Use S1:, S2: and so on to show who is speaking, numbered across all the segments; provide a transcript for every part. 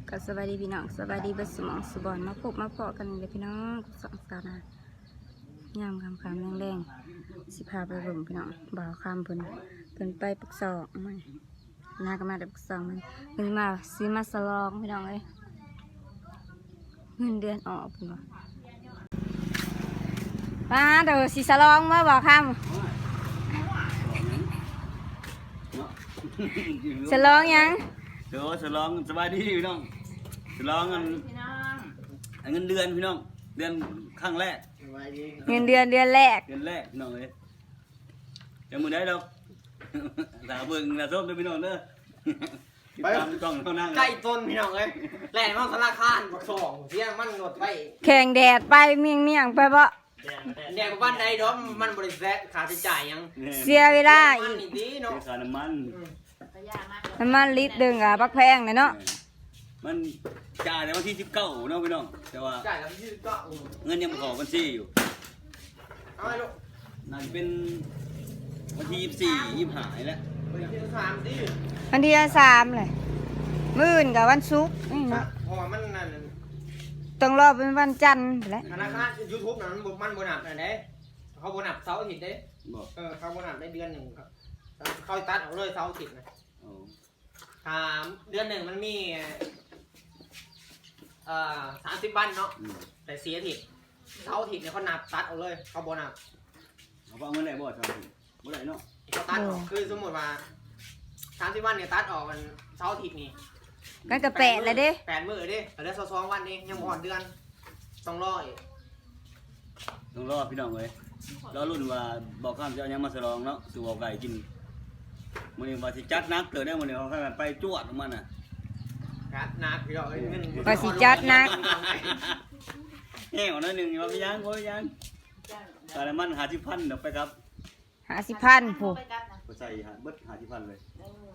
S1: ก็สวัสดีพี่น้องสวัสดีเบัสมองสุบอนมาพบมาเพาะกันเลยพี่น้องสองสาวนะยามคำแรงๆสิพาไปเบิ่งพี่น้องบ่าวคำเพิ่นไปปักซอกมันน่าก็มาแต่ปักซอกมันเพิ่นมาซื้อมาสลองพี่น้องเลยเงินเดือนออกเพิ่นว่าป้าเดี๋ยวสิสลองมาบ่าวคำสลองยัง
S2: เดี๋ยวฉลองสบายดีพี่น้องฉลองเงินเดือนพี่น้องเดือนครั้งแรก
S1: เงินเดือนแรก
S2: พี่น้องเลยจะมือได้ดอกสาวเบิ่งสาวส้มด้วยพี่น้องเด้อไปตามกล้องเท่านั้น
S3: ใกล้ต้นพี่น้องเลยแหล่งมันสารคานบักสองเที่ยงมันหนดไป
S1: แข่งแดดไปเมี่ยงไปบ่
S3: แดงบ้านใดดอมมันบริษัทค่าใช้จ่ายยัง
S1: เสียเวลาอีก
S2: ค่าน้ำมัน
S1: ลิตรดึงอ่ะบักแพงเลยเนาะ
S2: มันจ่ายในวันที่19เนาะพี่น้องแต่ว่า
S3: จ่ายในวันที่
S2: 19เงินยังไม่ออกบัญชีอยู่
S3: เอาไงลูก
S2: นั่นเป็นวันที่24 25แล้ว
S3: วันที่3ดิ
S1: วันที่3เลยมื้ออื่นกับวันศุกร์นี่เนาะ
S3: เพราะว่ามันนั่น
S1: ต้องรอเป็นวันจันทร์แหละ
S3: ธนาคาร YouTube นั้นมันโบนัสอะไรเขาโบนัสเสาร์อาทิตย์เด้เขาโบนัสได้เดือนหนึ่งครับเขาตัดออกเลยเสาร์อาทิตย์นะเดือนหนึ่งมันมี30 วันเนาะแต่เสียอาทิตย์เสาร์อาทิตย์เนี่ยเขานับตัดออกเลยเขาโบนัส
S2: เขาเอาเงินไหนบ่ครับบ่ได้เนาะ
S3: เขาตัดออกคือสมมติว่า30 วันเนี่ยตัดออกมันเสาร์อาทิตย์นี่
S1: กันก็8เลยเด้
S3: 8 มื้อเด้เหลือ22 วันเองยังบ่ฮอดเดือนต้องรออีก
S2: ต้องรอพี่น้องเอ้ยรอรุ่นว่าบอกข้ามจะเอายังมาฉลองเนาะสู่เอาไก่กินมื้อนี้ว่าสิจัดนักเกิดได้มื้อนี้เขาไปจวดของมันน่ะ
S3: จัดนักพี่น้องเอ้ยเงิน
S1: ว่าสิจัดนัก
S2: แห้งหน่อยนึงว่ามียังบ่ยังแต่ละมัน50,000เดี๋ยวไปครับ
S1: 50,000ผู้
S2: บ่ใส่เบิด50,000เลย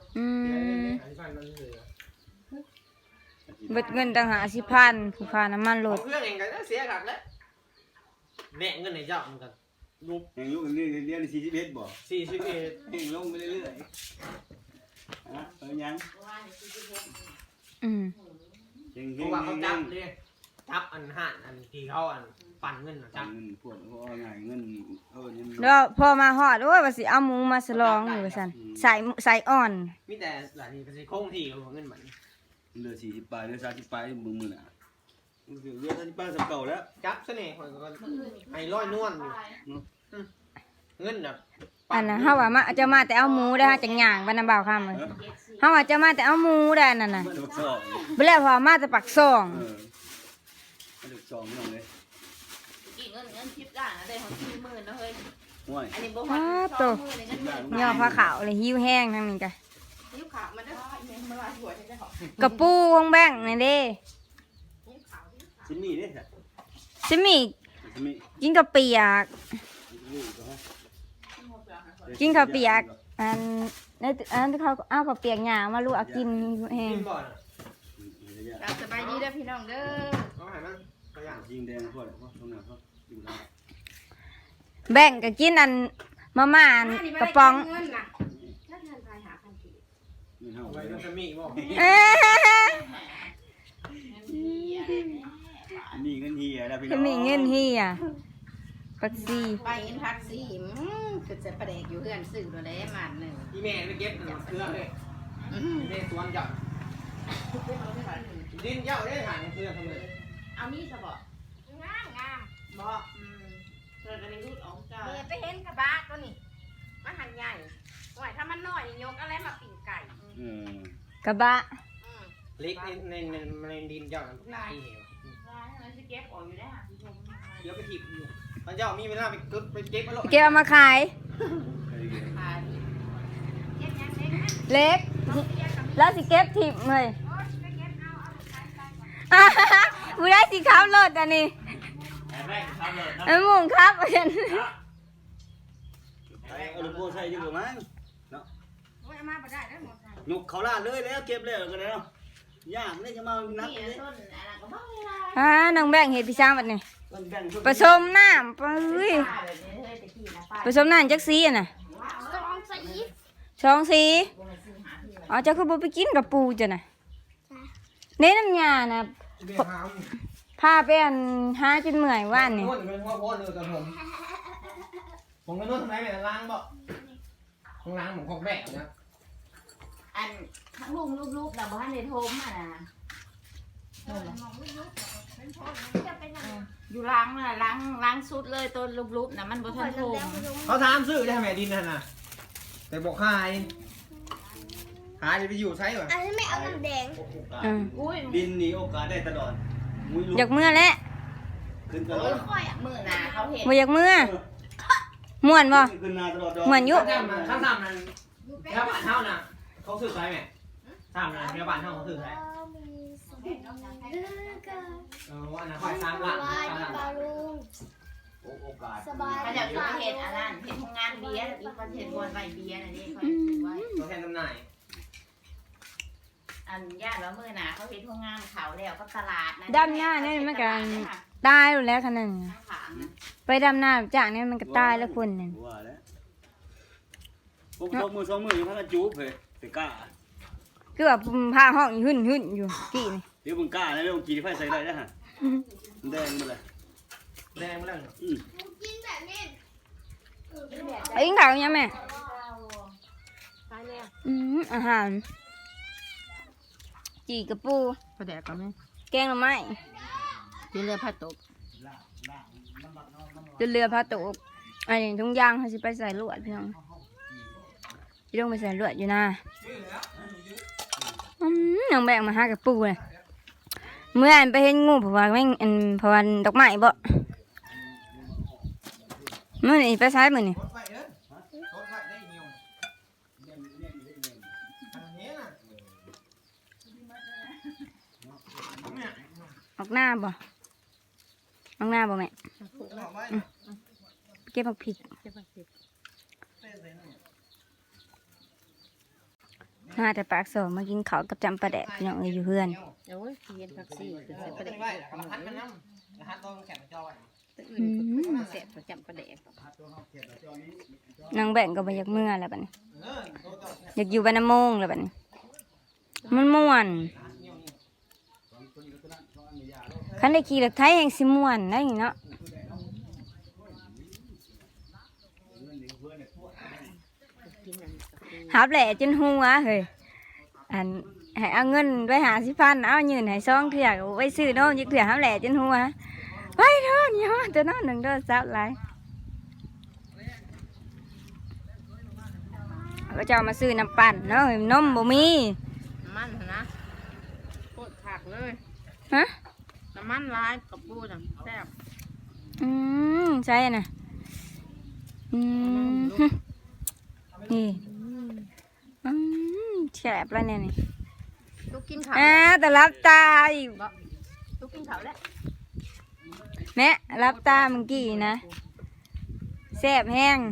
S1: เบิดเงินตั้ง50,000ผู้ค่าน้ำมันรถ
S3: เพื่อนเองก็เสียคักแล้วแม่เงินให้เจ้าเหมือนกัน
S2: ลูกยังอยู่นี่เรียน41บ่
S3: 41
S2: เองลงไปเรื่อยๆยัง
S3: เพราะว่าเขาจับเลยจับอันห่านอันที่เขาอันปั่นเงินจับ
S2: เงินพวกเขาเอาไงเงิน
S1: แล้วพอมาฮอดโอ้ยว่าสิเอาหมูมาฉลองอยู่ว่าซั่นใส่อ่อน
S3: มีแต่หลานนี่ก็สิคงที่ของเงินมัน
S2: เหลือ40 ปลายเหลือ30 ปลายมื้อน่ะเหลือ30 ปลายสำเก่าแล้ว
S3: จับซะนี่ข่อยก็ให้ร้อยนวลอยู่เงินน่ะ
S1: อันน่ะเฮาว่ามาจะมาแต่เอาหมูได้จังหยังบ่นำบ่าวคำเลยเฮาว่าจะมาแต่เอาหมูได้นั่นน่ะบ่แล้วพอมาแต่ปักซ่อง
S2: ปักซ่องน้องเอ้ย
S4: กี่เงินทิปได้นะได้ของ40,000นะเฮ้ยอันนี้บ่
S1: ฮอด20,000เลยเงินย่อผ้าขาวเลยหิวแห้งทั้งนี้จ้ะ
S4: หิวขาวมันได้มาลายหัวได้หร
S1: อกระปูของแบงค์นี่เด้
S2: ซิมี่เด้
S1: ซิมี่กินกะเปียกกินข้าวเปียกอันเขาเอาข้าวเปียกหยามาลูกกินแห้ง
S4: สบายดีเด้อพี่น้องเด้อ
S2: ยิงแดงพวกตรงนั้นเขาอยู่ได้
S1: แบ่งก็กินอันมาม่ากระป๋อง
S2: มีเงินเฮียแล้วพี่น้
S1: องมีเงินเฮียปักซี
S4: ไปเห็นพักซีคือจะประเดกอยู่เพื่อนสื่อตัวเล็กมาหนึ่ง
S3: อีเมลไปเก็บเครื่องเลยอีเมลสวนจับดินเจ้าได้หางเครื่องทำเลย
S4: เอานี่จะบอกงามบอกเกิดอะไรรูดออกจ้าไปเห็นกระบะตัวนี้มันหันใหญ่โอ้ยถ้ามันน้อยยกอะไรมาปิ่งไก่
S1: กระบะ
S3: เล็กในดินเจ้าลายเหว
S4: จะเก็บออกอยู่ได้ค่ะพี่ชม
S3: เดี๋ยวไปถีบอยู่ตอนเจ้ามีเวลาไปเก็บมาหรอก
S1: เก็บมาขายเล็กแล้วสิเก็บถีบเลยผู้ได้สิขับรถอันนี้มุ่งครับเห็น
S2: เอาลูกโป่งใส่ดีกว่ามั้งเนาะยกเขาลาดเลยแล้วเก็บเลยกันแล้วยากนี่จะมานับเลย
S1: น้องแบงเห็ดพี่ช้างแบบนี้ผสมน้ำผสมน้ำจักสีน่ะ2 สีอ๋อเจ้าคือบ่ไปกินกับปูจ้ะน่ะเน้นน้ำยานะ
S3: เบี้ยหาม
S1: พาไปอันหาจนเมื่อยว่านนี่
S3: นวดเป็นพ่อเลยกับผมก็นวดทำไมแม่ล้างบ่ของล้างผมของแบกนะ
S4: อันทั้งลุงลูกๆเราบ้านในโทมอ่ะนะอยู่ล้างน่ะล้างสุดเลยตัวลูกๆนะมันบ่ทันโทม
S3: เขาถามซื้อได้แม่ดินนั่นน่ะแต่บอกขายจะไปอยู่ใช้เหรอ
S5: อันนี้ไม่เอาน้ำแดง
S1: อืม
S4: อุ้ย
S2: ดินนี่โอกาสได้ตลอดมุ้ยลุก
S1: อยากเมื่อแล้ว
S2: ขึ้นตลอด
S4: ค่อยมือหนาเขาเห็น
S1: บ่อยากเมื่อม่วนบ่
S2: ขึ้นนาตลอด
S1: เหมือนอยู่
S3: ข้างซ้ำนั่นแค่บ้านเท่าน่ะเขาซื้อใช้ไหมซ้ำนั่นแค่บ้านเท่าเขาซื้อใช้ว่านะคอยซ้ำละ
S5: สบายดี
S3: ซ้ำละ
S5: ปาลุง
S2: โอกาส
S5: สบาย
S4: เขาจะอยู่เห็นอันนั้นเห็นทำงานเบียร์หรือคนเห็นบนใบเบียร์นะนี่เขาถือไว้
S3: ตัวแทนจำหน่าย
S4: อันญาติว่ามือหนาเขาเห็นทำงานเขาแล้วก็ตลาดนะ
S1: ดำหน้านี่มันก็ตายอยู่แล้วคันนึง
S4: ข้างขางนะ
S1: ไปดำหน้าจากนี้มันก็ตายแล้วคนนึง
S2: ว่าแล้วผมสองมือยังพักจูบเลยไปกล้า
S1: คือว่าพาห้องหึ่นอยู่กี่นี่
S2: เดี๋ยวมึงกล้าแล้วเรื่องกี่ไฟใส่ได้นะฮะแดงมาเลย
S3: แดงมาแล้ว
S5: กินแบบนี้
S1: ไอ้ยิงข่าวยังแม่
S4: ไปแล้ว
S1: อาหารจีกระปู
S4: ประแดกก็ไม่
S1: แกงหน่อไม้
S4: กินเรือผัดตก
S1: จนเรือพาตกอันนี้ทุงยางเขาสิไปใส่ลวดพี่น้องพี่ต้องไปใส่ลวดอยู่นะน้องแบกมาหากระปูเลยเมื่ออันไปเห็นงูเพราะว่าแม่งอันเพราะว่าดอกไม้บ่มื่อนี่ไปซ้ายมือนี่
S3: รถไฟเด้อรถไฟได้เงี้ยวอันนี้น่ะ
S1: ออกหน้าบ่ออกหน้าบ่แม่
S3: เอาไว้
S1: เก็บผักผิดน่าแต่ปากโสมากินข้าวกับจำปลาแดกพี่น้องเอ้ยอยู่เพื่อน
S4: โอ้ยเย็นผักซี่คือใส่ประ
S3: เอา
S4: แดก
S3: ไว้แล้วก็พัดมันน้ำแล้วพัดตัวแข็งจอไว้
S4: เสร็จประจำประแดก
S1: นางแบ่งก็บ่อยากเมื่อแล้วบัดนี้
S3: ตัวต่อ
S1: อยากอยู่บ้านน้ำโมงแล้วบัดนี้มันม่วน
S3: เงี้ยวนี่
S1: คันได้ขี่รถไถแห่งสิม่วนได้เนาะหับแหล่จนหัวเฮ้ยอันให้เอาเงินไว้50,000เอายืนให้ซองเถื่อไว้ซื้อโน้มยึกเถื่อหับแหล่จนหัวไปเด้อนี่ฮะตัวน้อยหนึ่งเด้อซับหลายก็จะเอามาซื้อน้ำปั่นเนาะนมบ่มี
S4: มันนะโคตรผักเลย
S1: ฮะ
S4: น้ำมันร้ายกับปูน่ะแซ่บ
S1: ใช่น่ะนี่แฉบแล้วเนี่ยนี่
S4: ลูกกินข้าว
S1: แต่รับตาอีก
S4: ลูกกินข้าวแล้ว
S1: แม่รับตาเมื่อกี้นะแซ่บแห้ง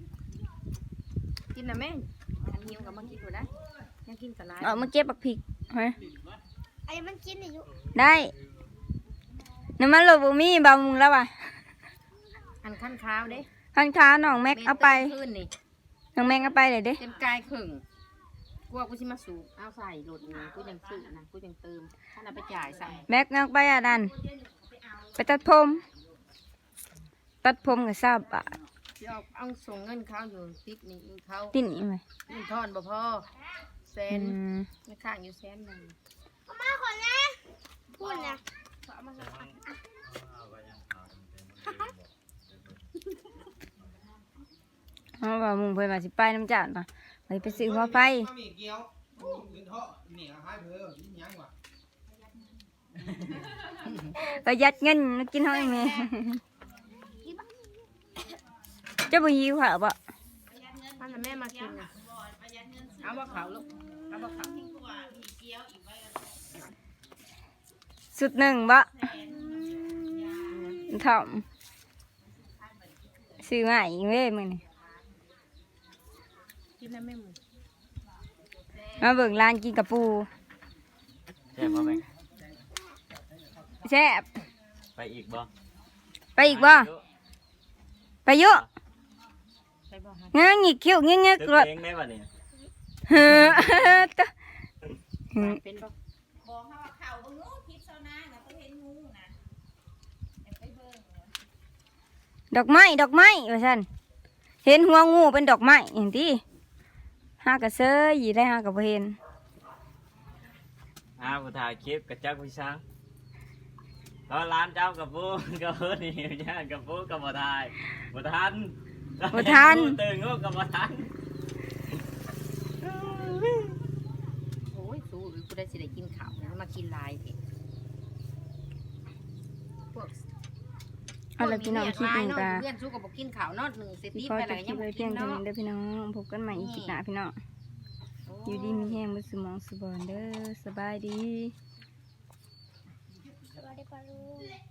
S4: กินนะแม่อันหิวกับมากินอยู่นะยังกินกับร้าย
S1: เอามาเก็บบักพริกเฮ้ย
S5: ไอ้มันกินอายุ
S1: ได้น้ำมันโลบุมีบามุงแล้วว่ะ
S4: อันขั้นข้าวเด้
S1: ข้างค้าน้องแม็กเอาไป
S4: ขึ้นนี่
S1: น้องแม็กเอาไปเลยเด้
S4: เต็มกายครึ่งกลัวกูสิมาสูบเอาใส่รถนี่กูยังซื้อนะกูยังเติมถ้าเราไปจ่ายสั่ง
S1: แม็กเอาไปอ่ะดันไปตัดผม ตัดผมกับ20 บาท
S4: เดี๋ยวเอาส่งเงินเขาอยู่ติ๊กนี่เขา
S1: ติ่นี่ไหม
S4: เงินทอนบ่พอแสนไม่ข้างอยู่แสนหนึ่ง
S5: มาคนนะพูดนะ
S1: เอาว่ามุงเพิ่นมาสิไปน้ำจานป่ะไปซื้อหัวไฟ
S3: มีเกี๊ยวยืนเถาะนี่ให้เพื่อยิ่งยังว่ะ
S1: ประหยัดเงินกินเฮาเองแม่จะบ่หิวค่ะบ่
S4: ท่านน่ะแม่มากินนะเอาบ่เขาลูกเอาบ่เขา
S1: สุดหนึ่งบ่ถ่อมซื้อมาอีกเว้ยมื้อนี้
S4: กินนะแม่มึง
S1: มาเบิ่งร้านกินกับปู
S2: แซ่บบ่แม่
S1: แซ่บ
S2: ไปอีกบ่
S1: ไปอีกบ่ไปอยู่
S4: ไปบ่ฮะ
S1: งางอีกคิ้วงึกๆรถ
S2: เองได้บ่นี่
S1: เฮ้อตะ
S4: เป็นบ่บอกเขาว่าเข่าบ่งูทิพย์เซานานะเขาเห็นงูนะไปเบิ่ง
S1: ดอกไม้ว่าซั่นเห็นหัวงูเป็นดอกไม้อย่างที่หากระเซยอยู่ได้หากระบ่เห็น
S6: ผู้ถ่ายคลิปกับจักพี่ช้างตอนร้านเจ้ากับปูกับเพื่อนนี่ย่างกับปูกับบ่ถ่ายบ่ทันตื่นงูกับบ่ทัน
S4: โอ้ยสู้กูได้สิได้กินข้าวนะมากินลายเถอะพวก
S1: เอาล่ะพี่น้องคลิปนี้ก็
S4: เพื่อนสู้กับบ่กินข้าวเนาะ1
S1: สิ
S4: ตี
S1: ขอ
S4: ไป
S1: จ
S4: แล้ว
S1: บค
S4: ยั
S1: ลิ
S4: ง
S1: ป
S4: บ่
S1: ไว้
S4: กิ
S1: เพีย
S4: น
S1: งเท่า
S4: เนาะ
S1: นี้เด้อพี่น้องพบกันใหม่อีกคลิปหน้าพี่น้องอยู่ดีมีแห้งบ่สมองสุบอนเด้อสบายดี
S5: สวัสดีปะลุง